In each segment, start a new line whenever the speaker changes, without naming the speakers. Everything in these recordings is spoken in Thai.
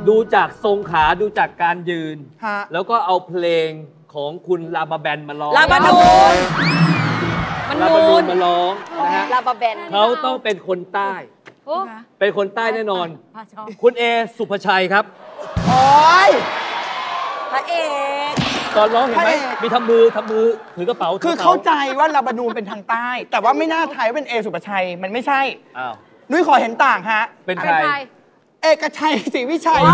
ดูจากทรงขาดูจากการยืนแล้วก็เอาเพลงของคุณลาบาแบนมาร้อง
ลาบานูน
ลาบานูนมาร้องนะฮะ
ลาบาแบน
เขาต้องเป็นคนใต้เป็นคนใต้แน่นอนคุณเอสุภชัยครับ
โอ้ย
พระเอก
ตอนร้องเห็นไหมมีทำมือถือกระเป๋า
คือเข้าใจว่าลาบานูนเป็นทางใต้แต่ว่าไม่น่าไทยเป็นเอสุภชัยมันไม่ใช่นุ้ยขอเห็นต่างฮะ
เป็นใคร
เอกชัยศรีวิชัย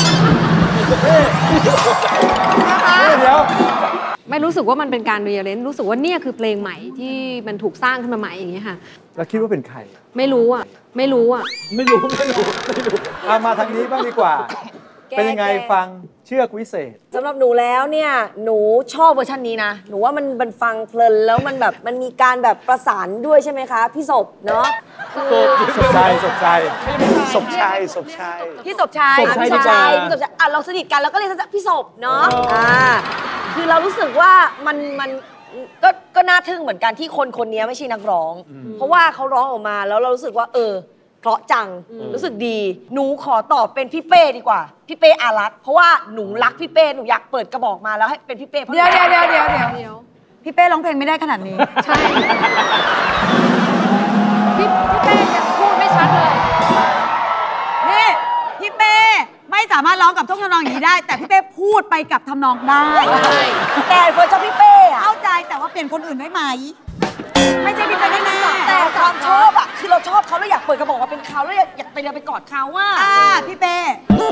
เดี๋ยวไม่รู้สึกว่ามันเป็นการเรียนรู้สึกว่าเนี่ยคือเพลงใหม่ที่มันถูกสร้างขึ้นมาใหม่อย่างเงี้ยค่ะ
แล้วคิดว่าเป็นใคร
ไม่รู้อ่ะ
ไม่รู้
มาทางนี้บ้างดีกว่าเป็นยังไงฟังเชือกวิเศษ
สำหรับหนูแล้วเนี่ยหนูชอบเวอร์ชันนี้นะหนูว่ามันฟังเพลินแล้วมันแบบมันมีการแบบประสานด้วยใช่ไหมคะพี่ศพเนาะ
ศพชัย
พี่ศพชัยพี่ศพชัยเราสนิทกันแล้วก็เรียกพี่ศพเนาะคือเรารู้สึกว่ามันก็น่าทึ่งเหมือนกันที่คนนี้ไม่ใช่นักร้องเพราะว่าเขาร้องออกมาแล้วเรารู้สึกว่าเพราะจังรู้สึกดีหนูขอตอบเป็นพี่เป้ดีกว่าพี่เป้อารักษ์เพราะว่าหนูรักพี่เป้หนูอยากเปิดกระบอกมาแล้วให้เป็นพี่เป้
เดี๋ยวพี่เป้ร้องเพลงไม่ได้ขนาดนี้
ใช่พี่เป้ยังพูดไม่ชัดเลย
นี่พี่เป้ไม่สามารถร้องกับท่วงทำนองอย่างนี้ได้แต่พี่เป้พูดไปกับทำนองได้
แต่เฟิร์นชอบพี่เป้อะ
เข้าใจแต่ว่าเปลี่ยนคนอื่นได้ไหมไม่ใช่พี่เป้ได้แน่
แต่ความชอบอะคือเราชอบเขาแล้วอยากเปิดกระบอกมาเป็นเขาแล้วอยากไปเรียนไปกอดเขาว่า
พี่เป้